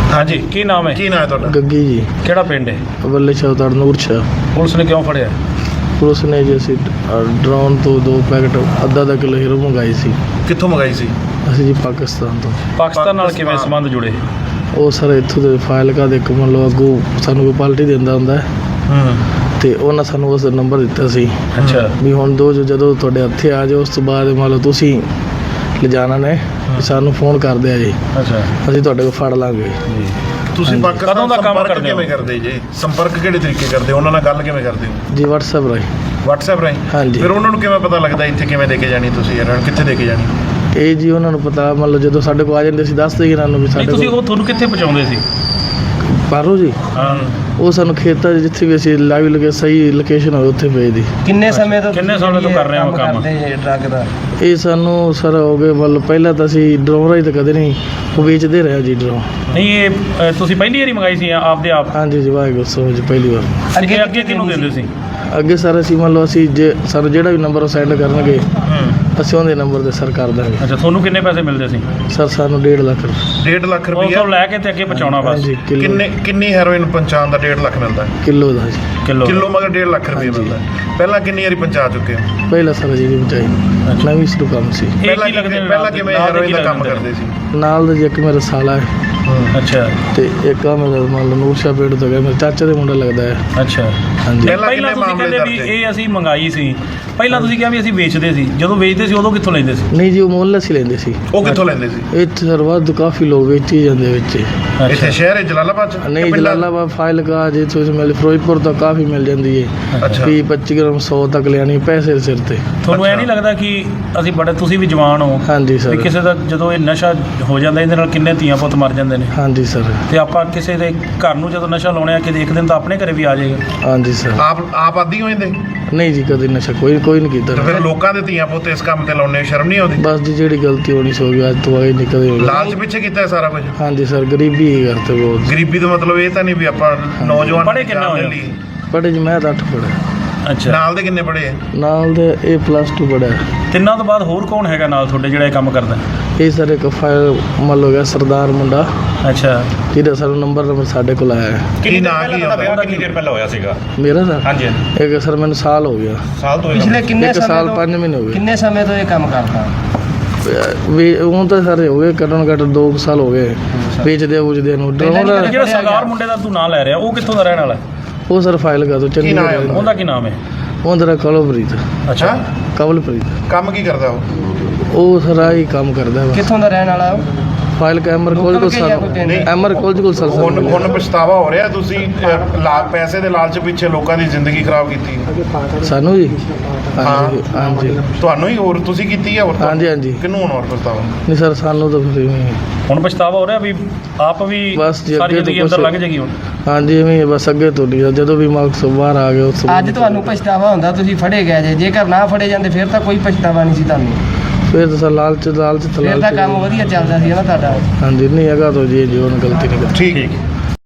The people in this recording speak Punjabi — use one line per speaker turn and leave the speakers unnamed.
हाँ जी की नाम है?
ਕੀ ਨਾਂ ਹੈ ਤੁਹਾਡਾ?
ਗੱਗੀ ਜੀ
ਕਿਹੜਾ ਪਿੰਡ ਹੈ?
ਬੱਲੇ ਸ਼ਾਹ ਨੂਰ ਸ਼ਾਹ।
ਪੁਲਿਸ ਨੇ ਕਿਉਂ ਫੜਿਆ?
ਪੁਲਿਸ ਨੇ ਜੀ ਅਸੀਂ ਡਰੋਨ ਤੋਂ 2 ਪੈਕਟ ਅੱਧਾ ਕਿਲੋ ਹੀਰੋ ਮੰਗਾਈ ਸੀ।
ਕਿੱਥੋਂ ਮੰਗਾਈ ਸੀ?
ਅਸੀਂ ਜੀ ਪਾਕਿਸਤਾਨ ਤੋਂ।
ਪਾਕਿਸਤਾਨ ਨਾਲ ਕਿਵੇਂ ਸੰਬੰਧ ਜੁੜੇ?
ਉਹ ਸਰ ਇੱਥੋਂ ਦੇ ਫਾਈਲਕਾ ਦੇ ਇੱਕ ਮੰਨ ਲਓ ਅੱਗੋਂ ਸਾਨੂੰ ਕੋਈ ਪਾਲਟੀ ਦਿੰਦਾ ਹੁੰਦਾ ਹੈ ਤੇ ਉਹਨਾਂ ਸਾਨੂੰ ਉਸ ਨੰਬਰ ਦਿੱਤਾ ਸੀ।
ਅੱਛਾ
ਵੀ ਹੁਣ ਜਦੋਂ ਤੁਹਾਡੇ ਹੱਥੇ ਆ ਜਾਓ ਉਸ ਤੋਂ ਬਾਅਦ ਮੰਨ ਲਓ ਤੁਸੀਂ ਲਿਜਾਣਾ ਨੇ ਸਾਨੂੰ ਫੋਨ ਕਰ ਦਿਆ ਜੀ,
ਅੱਛਾ
ਅਸੀਂ ਤੁਹਾਡੇ ਕੋਲ ਫੜ ਲਾਂਗੇ।
ਜੀ
ਤੁਸੀਂ
ਹਾਂਜੀ।
ਪਾਕਿਸਤਾਨ
ਕਦੋਂ ਦਾ ਕੰਮ
ਸੰਪਰਕ
ਕਰਦੇ ਹੋ?
ਕਿਵੇਂ ਕਰਦੇ ਜੀ? ਸੰਪਰਕ ਕਿਹੜੇ ਤਰੀਕੇ ਕਰਦੇ ਹੋ? ਉਹਨਾਂ ਨਾਲ ਗੱਲ ਕਿਵੇਂ ਕਰਦੇ ਹੋ?
ਜੀ WhatsApp ਰਾਹੀਂ।
WhatsApp ਰਾਹੀਂ?
ਹਾਂਜੀ।
ਫਿਰ ਉਹਨਾਂ ਨੂੰ ਕਿਵੇਂ ਪਤਾ ਲੱਗਦਾ ਇੱਥੇ ਕਿਵੇਂ ਦੇ ਕੇ ਜਾਣੀ ਤੁਸੀਂ, ਇਹਨਾਂ ਨੂੰ ਕਿੱਥੇ ਦੇ ਕੇ ਜਾਣੀ?
ਇਹ ਜੀ ਉਹਨਾਂ ਨੂੰ ਪਤਾ ਮੰਨ ਲਓ ਜਦੋਂ ਸਾਡੇ ਕੋਲ ਆ ਜਾਂਦੇ ਸੀ ਦੱਸ ਦੇਗੇ ਇਹਨਾਂ ਨੂੰ ਵੀ
ਨਹੀਂ
ਸਾਡੇ
ਤੁਸੀਂ
ਕੋਲ
ਉਹ ਤੁਹਾਨੂੰ ਕਿੱਥੇ ਪਹੁੰਚਾਉਂਦੇ ਸੀ?
ਪਾਰੋ ਜੀ
ਹਾਂ
ਉਹ ਸਾਨੂੰ ਖੇਤਾਂ 'ਚ ਜਿੱਥੇ ਵੀ ਅਸੀਂ ਲਾਈਵ ਲਗੇ ਸਹੀ ਲੋਕੇਸ਼ਨ ਹੋਵੇ ਉੱਥੇ ਭੇਜਦੀ।
ਕਿੰਨੇ ਸਮੇਂ ਤੋਂ
ਕਰ ਰਹੇ ਹੋ ਕੰਮ?
ਕਰਦੇ ਜੀ ਡਰੱਗ ਦਾ?
ਇਹ ਸਾਨੂੰ ਸਰ ਹੋ ਗਏ ਮਤਲਬ ਪਹਿਲਾਂ ਤਾਂ ਅਸੀਂ ਡਰੋਨ ਰਾਹੀਂ ਤਾਂ ਕਦੇ ਨਹੀਂ, ਉਹ ਵੇਚਦੇ ਰਹੇ ਜੀ ਡਰੋਨ।
ਨਹੀਂ ਇਹ ਤੁਸੀਂ ਪਹਿਲੀ ਵਾਰੀ ਮੰਗਾਈ ਸੀ ਆਪਦੇ ਆਪ?
ਹਾਂਜੀ ਜੀ ਵਾਹਿਗੁਰੂ ਸੋ ਜੀ ਪਹਿਲੀ ਵਾਰ।
ਅੱਗੇ ਅੱਗੇ ਕਿਹਨੂੰ ਦਿੰਦੇ ਸੀ?
ਅੱਗੇ ਸਰ ਅਸੀਂ ਮੰਨ ਲਓ ਅਸੀਂ ਜੇ ਸਾਨੂੰ ਜਿਹੜਾ ਵੀ ਨੰਬਰ ਉਹ ਸੈਂਡ ਕਰਨਗੇ ਅਸੀਂ ਉਹਦੇ ਨੰਬਰ ਤੇ ਸਰ ਕਰ ਦਾਂਗੇ।
ਅੱਛਾ ਤੁਹਾਨੂੰ ਕਿੰਨੇ ਪੈਸੇ ਮਿਲਦੇ ਸੀ?
ਸਰ ਸਾਨੂੰ 1.5 ਲੱਖ
1.5 ਲੱਖ
ਉਹ
ਰੁਪਈਆ?
ਤੋਂ ਲੈ ਕੇ ਤੇ ਅੱਗੇ ਪਹੁੰਚਾਉਣਾ ਬਸ?
ਹਾਂਜੀ
ਕਿੰਨੀ ਹੈਰੋਇਨ ਪਹੁੰਚਾਉਣ ਦਾ 1.5 ਲੱਖ ਮਿਲਦਾ?
ਕਿਲੋ ਦਾ ਜੀ।
ਕਿਲੋ ਮਗਰ 1.5 ਲੱਖ ਰੁਪਏ
ਹਾਂਜੀ।
ਮਿਲਦਾ। ਪਹਿਲਾਂ ਕਿੰਨੀ ਵਾਰੀ ਪਹੁੰਚਾ ਚੁੱਕੇ ਹੋ?
ਪਹਿਲਾਂ ਸਰ ਜੀ ਨਹੀਂ ਬਚਾਈ, ਨਵੀਂ ਸ਼ੁਰੂ ਕੰਮ ਸੀ।
ਇਹ ਕੀ ਲੱਗਦੇ ਨੇ?
ਪਹਿਲਾਂ ਕਿਵੇਂ
ਨਾਲ ਦੇ
ਹੈਰੋਇਨ
ਕੀ
ਦਾ ਕੰਮ
ਲੱਗਦੇ
ਕਰਦੇ ਸੀ?
ਨਾਲ ਦਾ ਜੀ ਇੱਕ ਮੇਰਾ ਸਾਲਾ ਹੈ
ਅੱਛਾ
ਤੇ ਇੱਕ ਆ ਮੇਰਾ ਮੰਨ ਲਓ ਨੂਰਸ਼ਾ ਪੇਟ ਤੋਂ ਗਿਆ ਮੇਰੇ ਚਾਚੇ ਦੇ ਮੁੰਡਾ ਲੱਗਦਾ ਹੈ।
ਅੱਛਾ
ਹਾਂਜੀ
ਪਹਿਲਾਂ
ਪਹਿਲਾਂ
ਕਿੰਨੇ
ਤੁਸੀਂ
ਮਾਮਲੇ
ਕਹਿੰਦੇ ਵੀ
ਦਰਜ ਹੈ?
ਇਹ ਅਸੀਂ ਮੰਗਾਈ ਸੀ, ਪਹਿਲਾਂ ਤੁਸੀਂ ਕਿਹਾ ਵੀ ਅਸੀਂ ਵੇਚਦੇ ਸੀ, ਜਦੋਂ ਵੇਚਦੇ ਸੀ ਉਦੋਂ ਕਿੱਥੋਂ ਲੈਂਦੇ ਸੀ?
ਨਹੀਂ ਜੀ ਉਹ ਮੁੱਲ ਅਸੀਂ ਲੈਂਦੇ ਸੀ।
ਉਹ ਕਿੱਥੋਂ ਲੈਂਦੇ ਸੀ?
ਇੱਥੇ ਸਰ ਵਾਧੂ ਕਾਫੀ ਲੋਕ ਵੇਚੀ ਜਾਂਦੇ ਵਿੱਚ।
ਇੱਥੇ ਸ਼ਹਿਰ ਹੈ ਜਲਾਲਾਬਾਦ ਚ?
ਨਹੀਂ
ਕਿ ਪਿੰਡਾਂ?
ਜਲਾਲਾਬਾਦ ਫਾਈਲਕਾ ਜੇ ਤੁਸੀਂ ਮਿਲ ਫਿਰੋਜ਼ਪੁਰ ਤੋਂ ਕਾਫੀ ਮਿਲ ਜਾਂਦੀ ਹੈ।
ਅੱਛਾ।
25 ਗ੍ਰਾਮ 100 ਤੱਕ ਲਿਆਣੀ ਪੈਸੇ ਦੇ ਸਿਰ ਤੇ।
ਤੁਹਾਨੂੰ ਇਹ ਨਹੀਂ ਲੱਗਦਾ ਕਿ ਅਸੀਂ ਬੜੇ, ਤੁਸੀਂ ਵੀ ਜਵਾਨ ਹੋ,
ਹਾਂਜੀ
ਵੀ
ਸਰ।
ਕਿਸੇ ਦਾ ਜਦੋਂ ਇਹ ਨਸ਼ਾ ਹੋ ਜਾਂਦਾ ਇਹਦੇ ਨਾਲ ਕਿੰਨੇ ਧੀਆਂ ਪੁੱਤ ਮਰ ਜਾਂਦੇ ਨੇ,
ਹਾਂਜੀ ਸਰ।
ਤੇ ਆਪਾਂ ਕਿਸੇ ਦੇ ਘਰ ਨੂੰ ਜਦੋਂ ਨਸ਼ਾ ਲਾਉਣੇ ਆ ਕਿ ਇੱਕ ਦਿਨ ਤਾਂ ਆਪਣੇ ਘਰੇ ਵੀ ਆ ਜਾਏਗਾ।
ਹਾਂਜੀ ਸਰ।
ਆਪ ਆਦੀ ਹੋ ਜਾਂਦੇ?
ਨਹੀਂ ਜੀ ਕਦੇ ਨਸ਼ਾ ਕੋਈ ਨਹੀਂ
ਤੇ
ਕੀਤਾ।
ਫਿਰ ਲੋਕਾਂ ਦੇ ਧੀਆਂ ਪੁੱਤ ਇਸ ਕੰਮ ਤੇ ਲਾਉਣੇ ਸ਼ਰਮ ਨਹੀਂ ਆਉਂਦੀ?
ਬਸ ਜੀ ਜਿਹੜੀ ਗਲਤੀ ਹੋਣੀ ਸੋ ਗਈ, ਅੱਜ ਤੋਂ ਬਾਅਦ ਨਹੀਂ ਕਦੇ ਹੋਣੀ।
ਲਾਲਚ ਪਿੱਛੇ ਕੀਤਾ ਇਹ ਸਾਰਾ ਕੁਝ?
ਹਾਂਜੀ ਸਰ ਗਰੀਬੀ ਹੀ ਕਰਤੇ ਬਹੁਤ।
ਗਰੀਬੀ ਦਾ ਮਤਲਬ ਇਹ ਤਾਂ ਨਹੀਂ ਵੀ ਆਪਾਂ ਨੌਜਵਾਨ
ਪੜ੍ਹੇ ਕਿੰਨਾ ਹੋਏ?
ਪੜ੍ਹੇ ਜੀ ਮੈਂ ਤਾਂ 8 ਪੜ੍ਹਿਆ।
ਅੱਛਾ
ਨਾਲ ਦੇ ਕਿੰਨੇ ਪੜ੍ਹੇ?
ਨਾਲ ਦੇ ਇਹ +2 ਪੜ੍ਹਿਆ।
ਤਿੰਨਾਂ ਤੋਂ ਬਾਅਦ ਹੋਰ ਕੌਣ ਹੈਗਾ ਨਾਲ ਤੁਹਾਡੇ ਜਿਹੜਾ ਇਹ ਕੰਮ ਕਰਦਾ?
ਇਹ ਸਰ ਇੱਕ ਫਾਇਰ ਮੰਨ ਲਓ ਗਿਆ ਸਰਦਾਰ ਮੁੰਡਾ
ਅੱਛਾ
ਜਿਹਦਾ ਸਾਨੂੰ ਨੰਬਰ ਸਾਡੇ ਕੋਲ ਆਇਆ ਹੈ।
ਕੀ ਨਾਂ ਕੀ ਹੁੰਦਾ?
ਕਿੰਨੀ ਦੇਰ ਪਹਿਲਾਂ ਹੋਇਆ ਸੀਗਾ?
ਮੇਰਾ ਸਰ
ਹਾਂਜੀ
ਇੱਕ ਸਰ ਮੈਨੂੰ ਸਾਲ ਹੋ ਗਿਆ।
ਸਾਲ ਤੋਂ
ਪਿਛਲੇ ਕਿੰਨੇ
ਇੱਕ
ਸਮੇਂ
ਸਾਲ
ਤੋਂ
5 ਮਹੀਨੇ ਹੋ ਗਏ।
ਕਿੰਨੇ ਸਮੇਂ ਤੋਂ ਇਹ ਕੰਮ ਕਰਦਾ?
ਵੀ ਉਹ ਤਾਂ ਸਾਰੇ ਹੋ ਗਏ ਘੱਟੋ ਘੱਟ 2 ਸਾਲ ਹੋ ਗਏ ਵੇਚਦੇ ਨੂੰ ਡਰੋਨ।
ਜਿਹੜਾ ਸਰਦਾਰ ਮੁੰਡੇ ਦਾ ਤੂੰ ਨਾਂ ਲੈ ਰਿਹਾ ਉਹ ਕਿੱਥੋਂ ਦਾ ਰਹਿਣ ਵਾਲਾ?
ਉਹ ਸਰ ਫਾਈਲ ਕਰ ਦੋ
ਕੀ ਨਾਂ ਹੈ
ਚੰਡੀਗੜ੍ਹ।
ਉਹਦਾ ਕੀ ਨਾਮ ਹੈ?
ਉਹਦਾ ਕਵਲਪ੍ਰੀਤ।
ਅੱਛਾ
ਕਵਲਪ੍ਰੀਤ
ਕੰਮ ਕੀ ਕਰਦਾ ਉਹ?
ਉਹ ਸਰ ਆਹੀ ਕੰਮ ਕਰਦਾ ਵਾ।
ਕਿੱਥੋਂ ਦਾ ਰਹਿਣ ਵਾਲਾ ਉਹ?
ਫਾਈਲ ਕਾ ਐਮਰ ਕੋਲ
ਲੋਕਲ ਕੇ ਜਾਂ ਕੋਈ ਪਿੰਡ?
ਐਮਰ ਕੋਲ ਸਰ
ਹੁਣ ਪਛਤਾਵਾ ਹੋ ਰਿਹਾ ਤੁਸੀਂ ਪੈਸੇ ਦੇ ਲਾਲਚ ਪਿੱਛੇ ਲੋਕਾਂ ਦੀ ਜ਼ਿੰਦਗੀ ਖਰਾਬ ਕੀਤੀ?
ਸਾਨੂੰ ਜੀ। ਹਾਂਜੀ ਹਾਂਜੀ
ਤੁਹਾਨੂੰ ਹੀ ਹੋਰ ਤੁਸੀਂ ਕੀਤੀ ਹੈ ਹੋਰ?
ਹਾਂਜੀ।
ਕਿਹਨੂੰ ਹੁਣ ਹੋਰ ਪਛਤਾਵਾ?
ਨਹੀਂ ਸਰ ਸਾਨੂੰ ਤਾਂ ਫਿਰ ਇਵੇਂ ਹੀ।
ਹੁਣ ਪਛਤਾਵਾ ਹੋ ਰਿਹਾ ਵੀ ਆਪ ਵੀ
ਬਸ ਜੀ,
ਸਾਰੀ
ਅੱਗੇ ਤੋਂ
ਜ਼ਿੰਦਗੀ ਅੰਦਰ
ਕੁਛ-
ਲੰਘ ਜਾਏਗੀ ਹੁਣ?
ਹਾਂਜੀ ਇਵੇਂ ਹੀ ਬਸ ਅੱਗੇ ਤੋਂ ਨਹੀਂ ਜਦੋਂ ਵੀ ਮਾਰਕਸ ਬਾਹਰ ਆ ਗਏ ਉਸ ਤੋਂ
ਅੱਜ ਤੁਹਾਨੂੰ ਪਛਤਾਵਾ ਹੁੰਦਾ ਤੁਸੀਂ ਫੜੇ ਗਏ ਜੇ, ਜੇਕਰ ਨਾ ਫੜੇ ਜਾਂਦੇ ਫਿਰ ਤਾਂ ਕੋਈ ਪਛਤਾਵਾ ਨਹੀਂ ਸੀ ਤੁਹਾਨੂੰ?
ਫਿਰ ਤਾਂ ਸਰ ਲਾਲਚ
ਫਿਰ ਤਾਂ ਕੰਮ ਵਧੀਆ ਚੱਲਦਾ ਸੀ ਨਾ ਤੁਹਾਡਾ।
ਹਾਂਜੀ ਨਹੀਂ ਹੈਗਾ ਤਾਂ ਜੀ ਜੀਵਨ ਗਲਤੀ ਨਹੀਂ ਕਰ।
ਠੀਕ।